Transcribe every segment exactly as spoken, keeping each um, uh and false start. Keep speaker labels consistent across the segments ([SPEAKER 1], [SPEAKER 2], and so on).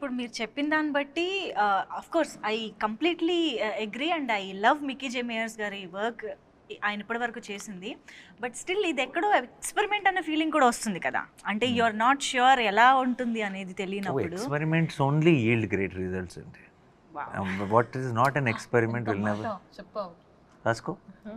[SPEAKER 1] ఇప్పుడు మీరు చెప్పిన దాన్ని బట్టి of course I completely agree and I love Mickey J Meyers గారి వర్క్ ఆయన ఇప్పటి వరకు చేసింది. బట్ స్టిల్ ఇది ఎక్కడో ఎక్స్పెరిమెంట్ అనే ఫీలింగ్ కూడా వస్తుంది కదా, అంటే యు ఆర్ నాట్ ష్యూర్ ఎలా ఉంటుంది అనేది తెలియనప్పుడు.
[SPEAKER 2] Experiments only yield great results అండి. What is not an experiment will never.
[SPEAKER 3] చెప్పావు
[SPEAKER 2] రాసుకో.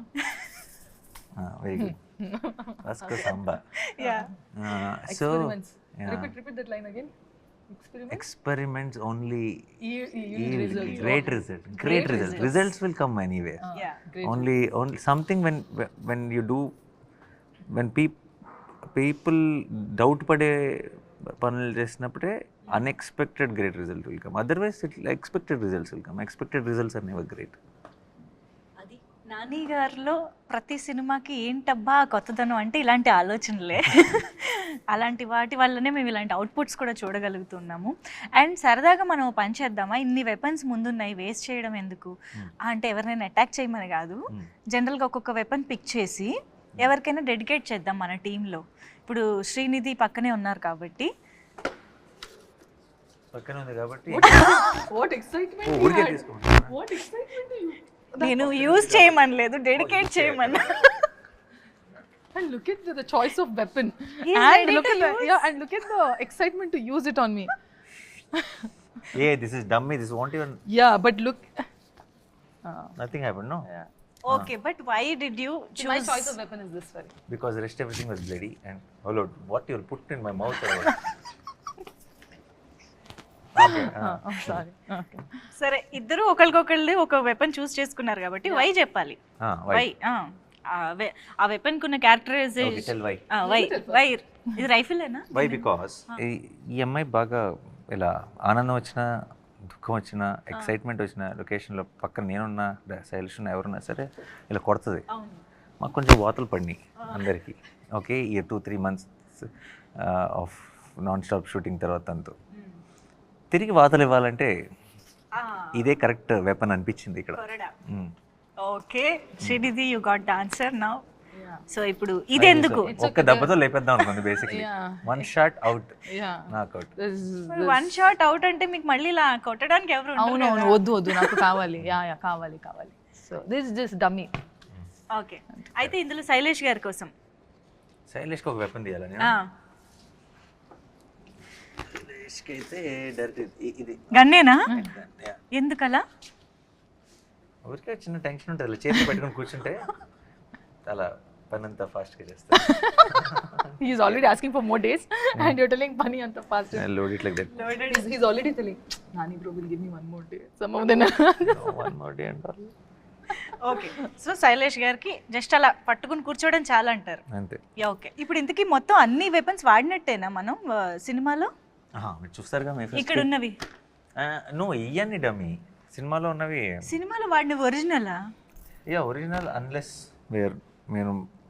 [SPEAKER 2] Very good. రాసుకో Samba.
[SPEAKER 1] Yeah
[SPEAKER 2] so
[SPEAKER 3] repeat repeat that line again.
[SPEAKER 2] experiments only
[SPEAKER 3] Yield- yield
[SPEAKER 2] yield
[SPEAKER 3] results.
[SPEAKER 2] great result great results results will come anywhere.
[SPEAKER 1] Yeah.
[SPEAKER 3] Great.
[SPEAKER 2] only only something when when you do when peop people doubt పడే పనులు చేసినప్పుడే unexpected great result will come, otherwise it expected results will come. expected results are never great.
[SPEAKER 1] అది నాని గారిలో ప్రతి సినిమాకి ఏంటబ్బా కొత్తదనం అంటే ఇలాంటి ఆలోచనలే. అలాంటి వాటి వల్లనే మేము ఇలాంటి అవుట్పుట్స్ కూడా చూడగలుగుతున్నాము. అండ్ సరదాగా మనం పని చేద్దామా, ఇన్ని వెపన్స్ ముందున్నాయి వేస్ట్ చేయడం ఎందుకు అంటే ఎవరినైనా అటాక్ చేయమని కాదు, జనరల్గా ఒక్కొక్క వెపన్ పిక్ చేసి ఎవరికైనా డెడికేట్ చేద్దాం మన టీంలో. ఇప్పుడు శ్రీనిధి పక్కనే ఉన్నారు కాబట్టి
[SPEAKER 2] పక్కన ఉంది కాబట్టి
[SPEAKER 3] What excitement you
[SPEAKER 2] ఊరికే
[SPEAKER 3] had.
[SPEAKER 2] తీసుకోండి.
[SPEAKER 3] What excitement you.
[SPEAKER 1] నేను యూజ్ చేయమనలేదు, డెడికేట్ చేయమన్నా.
[SPEAKER 3] And look at the, the choice of weapon.
[SPEAKER 1] He's
[SPEAKER 3] and
[SPEAKER 1] ready
[SPEAKER 3] look
[SPEAKER 1] to
[SPEAKER 3] at the
[SPEAKER 1] use.
[SPEAKER 3] yeah, and look at the excitement to use it on me.
[SPEAKER 2] yeah, this is dummy, this won't even
[SPEAKER 3] Yeah, but look. Uh,
[SPEAKER 2] nothing happened, no.
[SPEAKER 3] yeah.
[SPEAKER 1] Okay, but why did you
[SPEAKER 3] See, my choice of weapon is this very.
[SPEAKER 2] Because rest everything was bloody and oh lord, what you'll put in my mouth or what? okay, uh,
[SPEAKER 3] Uh, I'm sorry. Okay.
[SPEAKER 1] సరే, ఇద్దరు ఒకరికొకళ్ళు ఒక weapon చూస్ చేసుకున్నారు కాబట్టి why చెప్పాలి.
[SPEAKER 2] ah, why?
[SPEAKER 1] Why ఆ weapon కున్న characterization.
[SPEAKER 2] Okay, tell why.
[SPEAKER 1] Why why ఇది రైఫిలేనా?
[SPEAKER 2] Why? Because ఈ అమ్మాయి బాగా ఇలా ఆనందం వచ్చినా దుఃఖం వచ్చినా ఎక్సైట్మెంట్ వచ్చినా లొకేషన్లో పక్కన నేనున్నా శైలిష్ ఉన్నా ఎవరున్నా సరే ఇలా కొడుతుంది.
[SPEAKER 1] అవును.
[SPEAKER 2] మాకు కొంచెం వాతలు పడినాయి అందరికీ. ఓకే, ఈ two three months of non stop shooting తర్వాత అంతా తిరిగి వాతలు ఇవ్వాలంటే ఇదే కరెక్ట్ వెపన్ అనిపించింది ఇక్కడ. Mm.
[SPEAKER 1] Okay Srinidhi, you got the answer now.
[SPEAKER 3] Yeah.
[SPEAKER 1] So ఇప్పుడు ఇది ఎందుకు?
[SPEAKER 2] ఒక్క దెబ్బతో లేపేద్దాం అనుకుంది basically.
[SPEAKER 3] Yeah.
[SPEAKER 2] One shot out,
[SPEAKER 3] Yeah.
[SPEAKER 2] Knockout.
[SPEAKER 3] This is.
[SPEAKER 1] One shot out అంటే మీకు మళ్ళీ ఇలా కొట్టడానికి ఎవరు ఉండరు
[SPEAKER 3] అవును అవును
[SPEAKER 1] కదా?
[SPEAKER 3] వద్దు వద్దు నాకు కావాలి. యా యా కావాలి కావాలి. So this just dummy.
[SPEAKER 1] Okay, అయితే ఇందులో శైలేష్ గారి కోసం
[SPEAKER 2] శైలేష్కి ఒక వెపన్ తీయాలని.
[SPEAKER 1] ఆ,
[SPEAKER 2] శైలేష్కి అయితే డైరెక్ట్ ఇది
[SPEAKER 1] గన్నేనా? ఎందుకలా?
[SPEAKER 2] ఊరికే చిన్న టెన్షన్ ఉంటుంది, అలా చేతి పెట్టుకుని కూర్చుంటే అలా పని అంతా ఫాస్ట్గా చేస్తాను.
[SPEAKER 3] He is already asking for more days and you're telling Pani anta fast.
[SPEAKER 2] Load it like that.
[SPEAKER 3] He's, he's already telling Nani bro will give me one more day. Some of them.
[SPEAKER 2] One more day అంటారు
[SPEAKER 1] okay, so Shailesh గారికి just అలా పట్టుకుని కూర్చోవడం చాలా అంటారు.
[SPEAKER 2] అంతే.
[SPEAKER 1] Yeah, okay. ఇప్పుడు ఇంతకీ మొత్తం అన్ని వెపన్స్ వాడినట్టేనా మనం ఆ, సినిమాలో?
[SPEAKER 2] మీరు చూస్తారుగా మీ
[SPEAKER 1] ఇక్కడ ఉన్నవి
[SPEAKER 2] నో ఇవన్నీ డమ్మీ, సినిమాలో ఉన్నవి
[SPEAKER 1] సినిమాలో వాడిన ఒరిజినలా?
[SPEAKER 2] యా ఒరిజినల్ అన్లెస్ వేర్ మీరు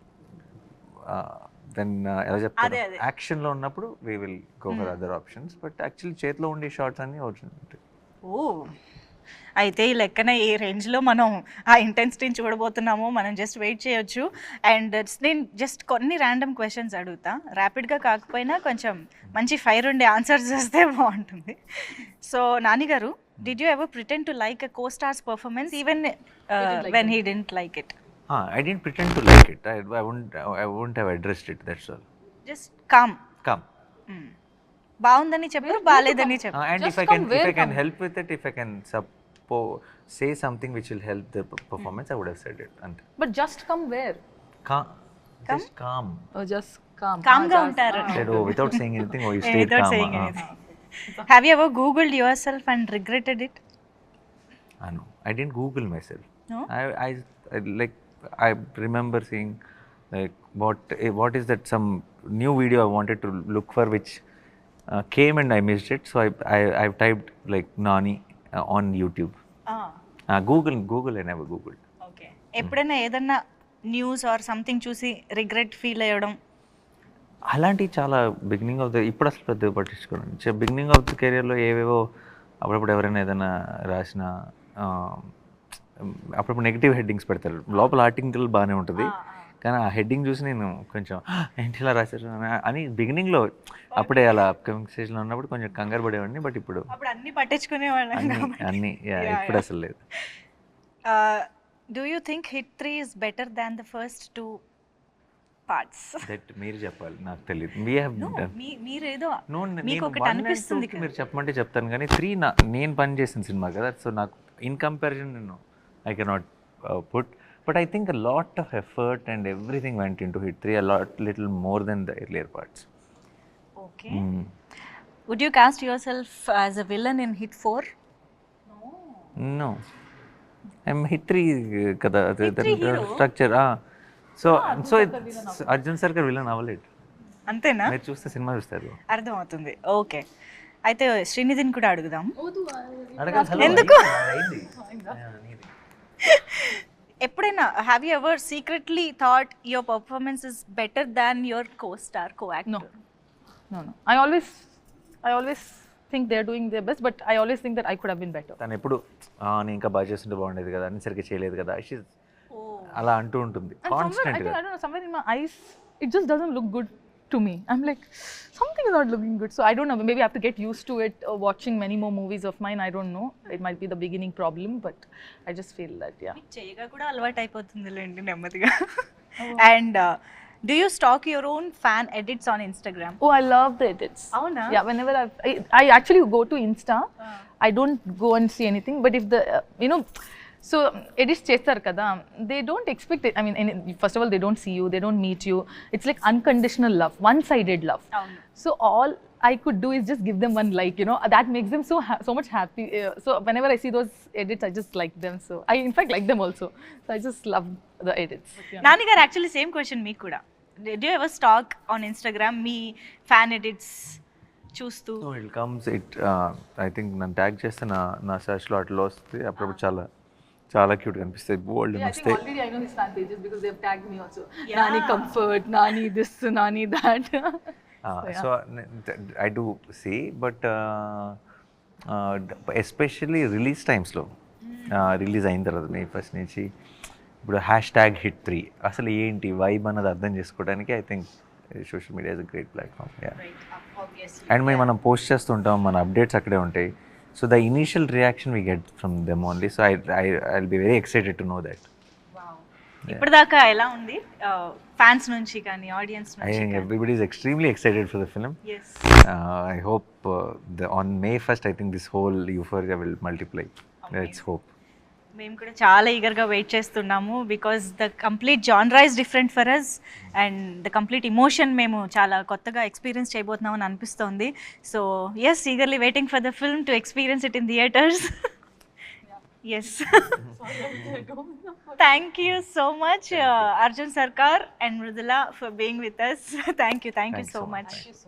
[SPEAKER 2] దెన్ ఎలా చెప్తారు,
[SPEAKER 1] అదే, అదే.
[SPEAKER 2] యాక్షన్లో ఉన్నప్పుడు we will go for other options, but actually చేతిలో ఉండే షార్ట్స్ అన్నీ ఒరిజినల్ ఉంటాయి.
[SPEAKER 1] ఓ, అయితే ఈ లెక్కన ఏ రేంజ్లో మనం ఆ ఇంటెన్సిటీని చూడబోతున్నామో మనం జస్ట్ వెయిట్ చేయొచ్చు. అండ్ నేను జస్ట్ కొన్ని ర్యాండమ్ క్వశ్చన్స్ అడుగుతా, ర్యాపిడ్గా కాకపోయినా కొంచెం మంచి ఫైర్ ఉండే ఆన్సర్స్ వస్తే బాగుంటుంది. So Nani garu, did you ever pretend to like a co stars performance even when he didn't like it?
[SPEAKER 2] I didn't pretend to like it, I I won't I won't have addressed it, that's all.
[SPEAKER 1] Just calm
[SPEAKER 2] come.
[SPEAKER 1] బాగుందని చెప్పారు, బాగాలేదని చెప్పారు.
[SPEAKER 2] Uh, and
[SPEAKER 3] Just
[SPEAKER 2] if I
[SPEAKER 3] come,
[SPEAKER 2] can,
[SPEAKER 3] where
[SPEAKER 2] if I can
[SPEAKER 3] come?
[SPEAKER 2] help with it, if I can suppo say something which will help the p- performance, I would have said it. And
[SPEAKER 3] But just come where?
[SPEAKER 2] calm, just calm.
[SPEAKER 3] Oh, just calm.
[SPEAKER 1] Calm
[SPEAKER 3] Ah,
[SPEAKER 1] గా
[SPEAKER 3] just-
[SPEAKER 1] ఉంటారు.
[SPEAKER 3] ah.
[SPEAKER 2] Said, oh, without saying anything, oh, you stayed
[SPEAKER 1] Without
[SPEAKER 2] calm.
[SPEAKER 1] saying
[SPEAKER 2] uh,
[SPEAKER 1] anything. Have you ever Googled yourself and regretted it?
[SPEAKER 2] I know. I didn't Google myself.
[SPEAKER 1] No?
[SPEAKER 2] I, I, I like, I remember seeing, like, what, eh, what is that? Some new video I wanted to look for, which uh, came and I missed it. So I, I, I've typed like Nani uh, on YouTube.
[SPEAKER 1] Ah,
[SPEAKER 2] Uh, Google, Google, I never Googled.
[SPEAKER 1] okay. ఎప్పుడైనా ఏదన్నా news or something చూసి regret feel అయ్యడం?
[SPEAKER 2] అలాంటివి చాలా beginning of the, ఇప్పుడు అసలు పెద్దగా పట్టించుకోండి. Beginning of the కెరియర్లో ఏవేవో అప్పుడప్పుడు ఎవరైనా ఏదైనా రాసిన అప్పుడప్పుడు నెగిటివ్ హెడ్డింగ్స్ పెడతారు, లోపల ఆర్టికల్ బాగానే ఉంటుంది కానీ ఆ హెడ్డింగ్ చూసి నేను కొంచెం ఏంటి ఇలా రాశారు అని- అని బిగినింగ్లో అప్పుడే అలా అప్కమింగ్ స్టేజ్లో ఉన్నప్పుడు కొంచెం కంగారు పడేవాడిని. బట్ ఇప్పుడు
[SPEAKER 1] అప్పుడు అన్ని పట్టించుకునేవాళ్ళం
[SPEAKER 2] అన్ని
[SPEAKER 1] కాబట్టి
[SPEAKER 2] అన్ని yeah, ఇప్పుడు అసలు లేదు.
[SPEAKER 1] Do you think hit three is better than the first two parts?
[SPEAKER 2] That మీరు చెప్పాలి, నాకు తెలియదు. వీ హ్యావ్
[SPEAKER 1] మీరేదో
[SPEAKER 2] నో
[SPEAKER 1] మీకు ఒకటి అనిపిస్తుంది కదా.
[SPEAKER 2] మీరు చెప్పమంటే చెప్తాను, కానీ త్రీ నా నేను పని చేసిన సినిమా కదా, సో నాకు ఇన్ కంపారిజన్ నేను I cannot put. But I think a lot of effort and everything went in to hit three, a lot little more then the earlier parts.
[SPEAKER 1] Okay, would you cast yourself as a villain in hit four?
[SPEAKER 2] No, I'm hit three కదా
[SPEAKER 1] three hero?
[SPEAKER 2] స్ట్రక్చర్. So so it's Arjun Sarkar villain అవ్వలేదు.
[SPEAKER 1] అంతేనా?
[SPEAKER 2] మీరు చూస్తే cinema చూస్తారు.
[SPEAKER 1] అర్థమవుతుంది. Okay, అయితే శ్రీనిధిని కూడా అడుగుదాం.
[SPEAKER 2] అడగండి.
[SPEAKER 1] ఎందుకు? ఎప్పుడైనా have you ever secretly thought your performance is better than your co star, co actor?
[SPEAKER 3] No, no. I always, I always think they're doing their best, but I always think that I could have been better.
[SPEAKER 2] తను ఎప్పుడు "ఆ, నేను ఇంకా బాగా చేస్తుంటే బాగుండేది కదా, అన్ని సరిగ్గా చేయలేదు కదా" She's అలా అంటూ ఉంటుంది
[SPEAKER 3] And somewhere, I
[SPEAKER 2] constant
[SPEAKER 3] think,
[SPEAKER 2] గా.
[SPEAKER 3] I don't know, somewhere in my eyes, it just doesn't look good to me. I'm like, something is not looking good. So I don't know, maybe I have to get used to it, uh, watching many more movies of mine. I don't know. It might be the beginning problem, but I just feel that, yeah.
[SPEAKER 1] చేయగా కూడా అలవాటు అయిపోతుందిలేండి నెమ్మదిగా. And do you stalk your own fan edits on Instagram?
[SPEAKER 3] Oh, I love the edits.
[SPEAKER 1] అవునా?
[SPEAKER 3] Yeah, whenever I've, I, I actually go to Insta, I don't go and see anything, but if the, uh, you know, so edits chestar kada, they don't expect it. I mean, any, first of all, they don't see you, they don't meet you. It's like unconditional love, one-sided love.
[SPEAKER 1] అవును.
[SPEAKER 3] So all I could do is just give them one like, you know, that makes them so ha- so much happy. Uh, so whenever I see those edits, I just like them. So I in fact like them also. So I just love the edits. Yeah.
[SPEAKER 1] Nani garu, actually same question మీకు కూడా. Do ever stalk on Instagram మీ fan edits చూస్తూ?
[SPEAKER 2] So it comes it I think నన్ను tag చేస్తే నా నా సెర్చ్లో అట్లా వస్తుంది. అప్పుడప్పుడు చాలా చాలా క్యూట్ కనిపిస్తాయి, బోల్డ్
[SPEAKER 3] Yeah, I think
[SPEAKER 2] వస్తాయి.
[SPEAKER 3] already I know his fan pages because they've tagged me also.
[SPEAKER 1] Yeah.
[SPEAKER 3] Nani comfort, Nani this, Nani that.
[SPEAKER 2] So I do see, but especially release టైమ్స్లో, రిలీజ్ అయిన తర్వాత May first నుంచి ఇప్పుడు hash tag hit three అసలు ఏంటి vibe అన్నది అర్థం చేసుకోవడానికి I think social media is a great platform. And మేము మనం పోస్ట్ చేస్తుంటాం, మన అప్డేట్స్ అక్కడే ఉంటాయి. So the initial reaction we get from them only. So I I I will be very excited to know that.
[SPEAKER 1] ఇప్పటిదాకా ఎలా ఉంది fans నుంచి కానీ ఆడియన్స్
[SPEAKER 2] I
[SPEAKER 1] నుంచి?
[SPEAKER 2] think everybody is extremely excited for the film.
[SPEAKER 1] Yes.
[SPEAKER 2] Uh, I hope uh, the, on May first, I think this whole euphoria will multiply. Let's hope.
[SPEAKER 1] మేము కూడా చాలా ఈగర్గా వెయిట్ చేస్తున్నాము, because the complete genre is different for us and the complete emotion మేము చాలా కొత్తగా experience చేయబోతున్నాం అని అనిపిస్తోంది. So yes, eagerly waiting for the film to experience it in theatres. Yes, thank you so much Arjun Sarkar and Mridula for being with us. Thank you, thank you
[SPEAKER 2] Thanks
[SPEAKER 1] so
[SPEAKER 2] so
[SPEAKER 1] much.